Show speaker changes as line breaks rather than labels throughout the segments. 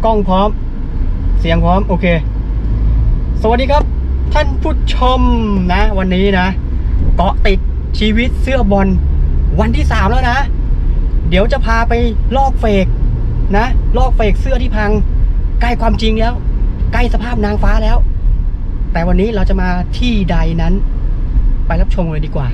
กล้องพร้อมเสียงพร้อมโอเคสวัสดีครับท่านผู้ชมนะวันนี้นะเกาะติดชีวิตเสื้อบอลวันที่3แล้วนะเดี๋ยวจะพาไปลอกเฟกนะลอกเฟกเสื้อที่พังใกล้ความจริงแล้วใกล้สภาพนางฟ้าแล้วแต่วันนี้เราจะมาที่ใดนั้นไปรับชมเลยดีกว่า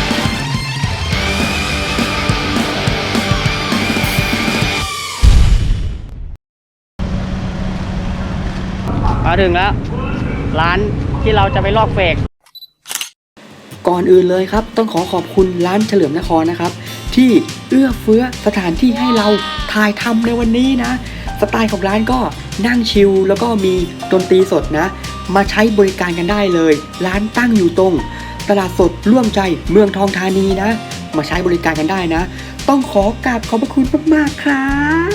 มาถึงแล้วร้านที่เราจะไปลอกเฟกก่อนอื่นเลยครับต้องขอบคุณร้านเฉลิมนครนะครับที่เอื้อเฟื้อสถานที่ให้เราถ่ายทำในวันนี้นะสไตล์ของร้านก็นั่งชิลแล้วก็มีดนตรีสดนะมาใช้บริการกันได้เลยร้านตั้งอยู่ตรงตลาดสดร่วมใจเมืองทองธานีนะมาใช้บริการกันได้นะต้องขอกราบขอบพระคุณมากๆครับ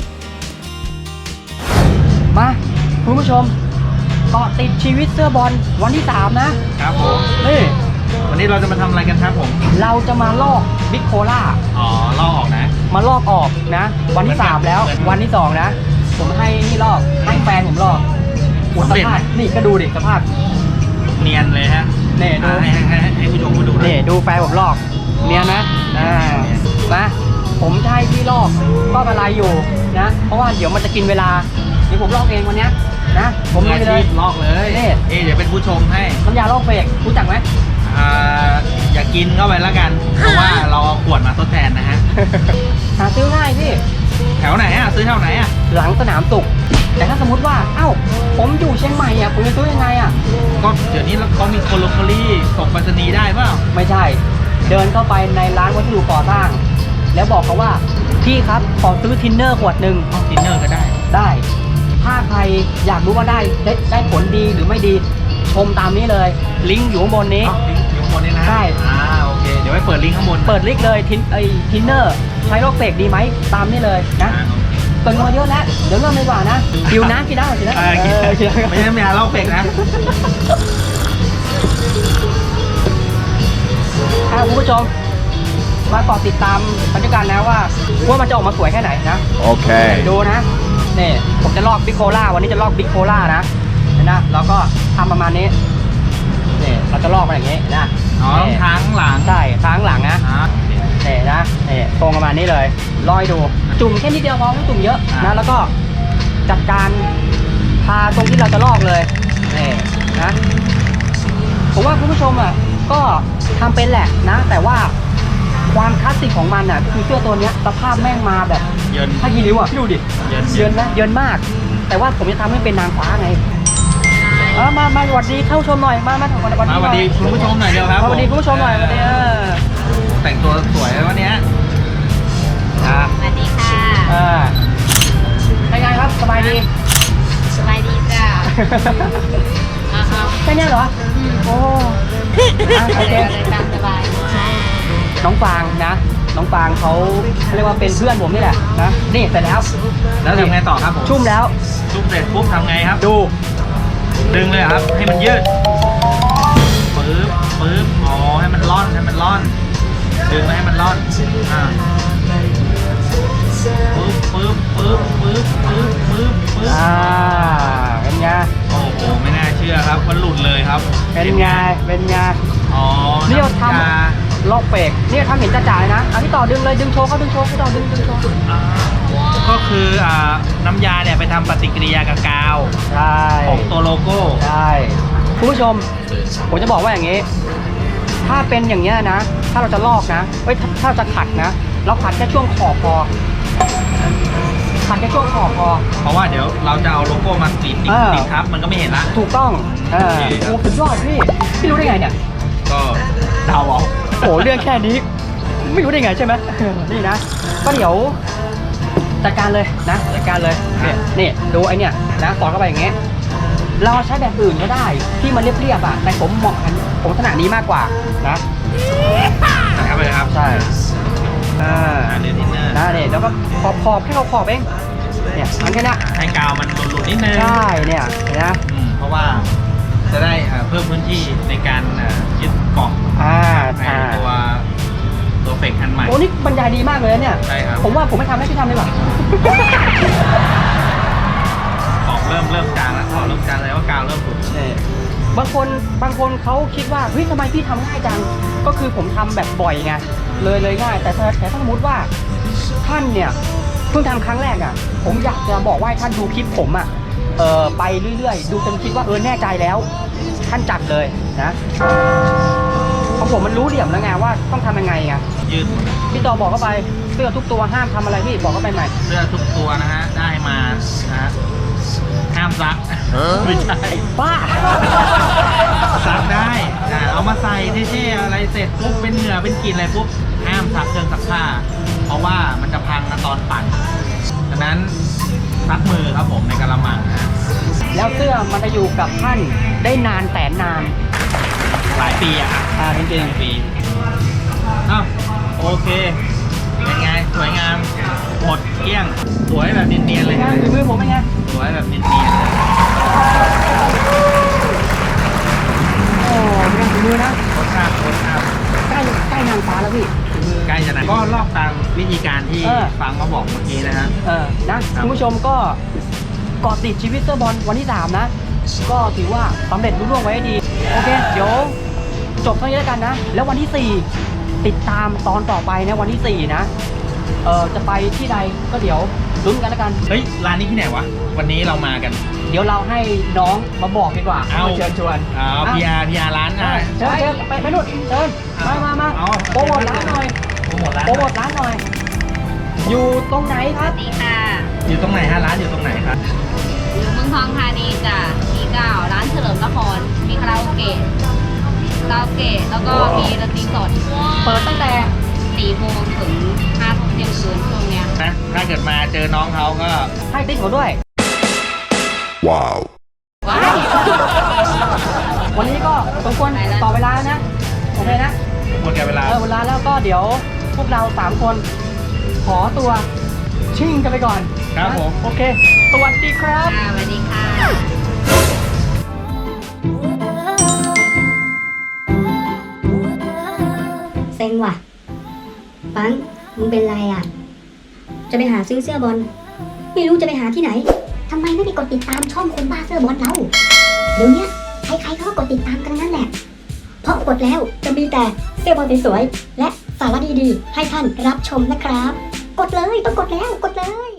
มาคุณผู้ชมเกาะติดชีวิตเสื้อบอลวันที่3นะครับผมนี่
วันนี้เราจะมาทำอะไรกันครับผม
เราจะมาลอกบิ๊กโคล่า
ลอกออกนะ
มาลอกออกนะวันที่3แล้ววันที่2นะผมให้นี่ลอกให้แฟนผมลอกสภาพนี่ก็ดูดิสภาพ
เนียนเลยฮะ
นี่ดู
ให้ผู้ชมมาดู
นี่ดูแฟนผมลอกเนียนนะนะผมจะให้พี่ลอกก็อะไรอยู่นะเพราะว่าเดี๋ยวมันจะกินเวลาเดี๋ยวผมลอกเองวันนี้นะผมเลย
ลอกเลยเดี๋ยวเป็นผู้ชมให้
น้ำยาลอกเฟกรู้จักไหม
อย่ากินเข้าไปแล้วกันเพราะว่าเราเอาขวดมาทดแทนนะฮะ
หาซื้อง่ายพี่
แถวไหนซื้อแถวไหน
หลังสนามสุขแต่ถ้าสมมติว่าเอ้าผมอยู่เชียงใหม่ผมจะซื้อยังไง
ก็เดี๋ยวนี้เขามีโคโลคอรี่ส่งไปรษณีย์ได้เปล่า
ไม่ใช่เดินเข้าไปในร้านวัสดุก่อสร้างแล้วบอกเขาว่าพี่ครับขอซื้อทินเนอร์ขวดหนึ่ง
ทินเนอร์ก็
ได้ถ้าใครอยากรู้ว่าได้ผลดีหรือไม่ดีชมตามนี้เลยลิงก์อยู่ข้างบนนี้
อยู่ข้างบนนี้นะ
ใช่
โอเคเดี๋ยวไปเปิดลิงก์ข้างบน
เปิดลิงก์เลยทินเนอร์ใช้ลอกเฟกดีไหมตามนี้เลยนะเกินมาเยอะแล้วเดี๋ยวเริ่มดีกว่านะกิวน้ำกินได้กินได้
ไม่ใช่ไม่ลอกเฟกนะ
คุณผู้ชมมาเกาะติดตามบรรยากาศนะว่ามันจะออกมาสวยแค่ไหนนะ
โอเค
ดูนะนี่ผมจะลอกบิ๊กโคล่าวันนี้จะลอกบิ๊กโคล่านะนะแล้วก็ทำประมาณนี้นี่เราจะลอกมาอย่างนี้นะ
ทางหลัง
ใช่ทางหลังนะนี่นะนี่ตรงประมาณนี้เลยลอยดูจุ่มแค่นิดเดียวพอไม่จุ่มเยอะนะแล้วก็จัดการทาตรงที่เราจะลอกเลยนี่นะผมว่าคุณผู้ชมก็ทำเป็นแหละนะแต่ว่าความคลาสสิกของมันคือเสื้อตัวนี้สภาพแม่งมาแบบ
เยิน
ถ้ายีริ้วพี่ดูดิเยินนะเยินมากแต่ว่าผมจะทำให้เป็นนางฟ้าไงมาสวัสดีเข้าชมหน่อยมาส
วัสดีคุณผู้ชมหน่อยเดียวครับ
สวัสดีคุณผู้ชมหน่อยวันนี้
แต่งตัวสวยวันนี้
สวัสดีค่ะ
เป็นไงครับสบายดี
จ้า
แค่นี้เหรอโอ้โอเค
สบาย
น้องฟางนะน้องฟางเขาเรียกว่าเป็นเพื่อนผมนี่แหละนะนี่เสร็จแล้ว
ทำไงต่อครับผม
ชุ่มแล้ว
ชุ่มเสร็จปุ๊บทำไงครับ
ดู
ดึงเลยครับให้มันยืดปึ๊บให้มันร่อนดึงให้มันร่อนปึ๊บ
เป็นไง
โอ้โหไม่น่าเชื่อครับมันหลุดเลยครับ
เป็นไงนี่เราทำลอกเฟกนี่ทำเห็นจ่าเลยนะพี่ต่อดึงเลยดึงโชว์เขาดึงโชว์พี่ต่อดึงโชว์
ก็คือน้ำยาเนี่ยไปทำปฏิกิริยากับกาว
ใช่
ของตัวโลโก้
ใช่คุณผู้ชมผมจะบอกว่าอย่างนี้ถ้าเป็นอย่างเงี้ยนะถ้าเราจะลอกนะถ้าเราจะขัดนะเราขัดแค่ช่วงขอบพอขัดแค่ช่วงขอบพอ
เพราะว่าเดี๋ยวเราจะเอาโลโก้มาติดทับมันก็ไม่เห็นละ
ถูกต้องโอ้สุดยอดพี่รู้ได้ไงเนี่ย
ก็เดาเอา
โอ้เรื่องแค่นี้ไม่รู้ได้ไงใช่ไหมนี่นะก็เดี๋ยวจัดการเลยนะจัดการเลยนี่ดูไอเนี่ยนะสอนเข้าไปอย่างเงี้ยเราใช้แบบอื่นก็ได้ที่มันเรียบแต่ผมเหมาะกันผมถนัดนี้มากกว่านะ
นะครับเลยครับ
ใช่
เรียนทินเนอร์
นะเนี่ยแล้วก็ขอบแค่เราขอบเองเนี่ยอันแค่นี้
ให้กาวมันหลุดนิดนึง
ใช่เนี่ยนะ
เพราะว่าจะได้เพิ่มพื้นที่ในการยึดเกาะตัวเฟกอันใหม่
โอ้นี่บรรยายดีมากเลยเนี่ย
ใช่ครับ
ผมว่าผมไม่ทำให้พี่ทำดีกว่า
มจางแล้วถอดเริ่มจางแล้วว่ากาวเริ่มขุ่น
บางคนเขาคิดว่าเฮ้ยทำไมพี่ทำง่ายจังก็คือผมทำแบบบ่อยไงเลยง่ายแต่ถ้าสมมติว่าท่านเนี่ยเพิ่งทำครั้งแรกอ่ะผมอยากจะบอกว่าให้ท่านดูคลิปผมอ่ะไปเรื่อยๆดูจนคิดว่าแน่ใจแล้วท่านจัดเลยนะเพราะผมมันรู้เหลี่ยมแล้วไงว่าต้องทำยังไงไง
ยืด
พี่ต่อบอกเข้าไปเสื้อทุกตัวห้ามทำอะไรพี่บอกเข้าไปใหม่
เสื้อทุกตัวนะฮะได้มานะฮะห้ามซักไม่ใช่
บ้า
ซักได้เอามาใส่เท่ๆอะไรเสร็จปุ๊บเป็นเหงื่อเป็นกลิ่นอะไรปุ๊บห้ามซักเครื่องซักผ้าเพราะว่ามันจะพังตอนปั่นดังนั้นซักมือครับผมในกะละมังนะ
แล้วเสื้อมันจะอยู่กับท่านได้นานแสนนาน
หลายปีอะครับ
จริง
ปีอ้าวโอเคเป็นไงสวยงามหมดเกลี้ยงสวยแบบเนียนๆเลย
ๆงานฝีมือผมเป็นไง
สวยแบบเนียนๆเลย
โอ้งานฝีมือนะ
รสชาติ
ใกล้นางฟ้าแล้วพี่ฝีมือ
ใกล้จะนะก็ลอกตามวิธีการที่ ฟังมาบอกเมื่อกี้นะฮะ
นะคุณผู้ชมก็เกาะติดชีวิตเสื้อบอลวันที่ 3 นะ ก็ถือว่าสำเร็จรุ่งเรืองไว้ให้ดี โอเค เดี๋ยวจบเท่านี้แล้วกันนะ แล้ววันที่ 4 ติดตามตอนต่อไปนะวันที่ 4 นะ จะไปที่ใดก็เดี๋ยวลุ้นกันแล้วกัน
เฮ้ยร้านนี้ที่ไหนวะวันนี้เรามากัน
เดี๋ยวเราให้น้องมาบอกดีกว่า
เอา
เชิญชวน
พีอาร์ร้าน
เชิญไปนู่นเชิญมา
เอา
โปรโมทร้านหน่อย
โปรโมทร้าน
โปรโมทร้านหน่อย อยู่ตรงไหนค
ส
รับ
วัสดีค่ะ
อยู่ตรงไหนฮะร้านอยู่ตรงไหนครับ
อยู่เมืองทองธานีจ้ะมี9ร้านเฉลิมนคร มีคาราโอเกะแล้วก็มีดนตรีสด
เปิดตั้งแต่
4 โมงถึง 5 ทุ่มเที่ยงคืนช่วงเนี้ย
นะถ้าเกิดมาเจอน้องเขาก็
ให้ติ๊กเขาด้วย
Wow.
ว้าย
วันนี้ก็สมควร
ไปแล้ว
ต่อเวลานะโอเคนะ
หมดแก่เวลา
เวลาแล้วก็เดี๋ยวพวกเรา 3 คน ขอตัวชิ่งกันไปก่อน
ครับผม
โอเค สวัสดีครับ
สวัสดีค่ะ
เซ็งว่ะปังมึงเป็นไรอ่ะ จะไปหาซื้อเสื้อบอล ไม่รู้จะไปหาที่ไหน ทำไมไม่ไปกดติดตามช่องคนบ้าเสื้อบอลเรา เดี๋ยวเนี้ยใครๆเขาก็กดติดตามกันนั่นแหละ เพราะกดแล้วจะมีแต่เสื้อบอลสวยๆและสาระดีๆ ให้ท่านรับชมนะครับ กดเลยต้องกดแล้วกดเลย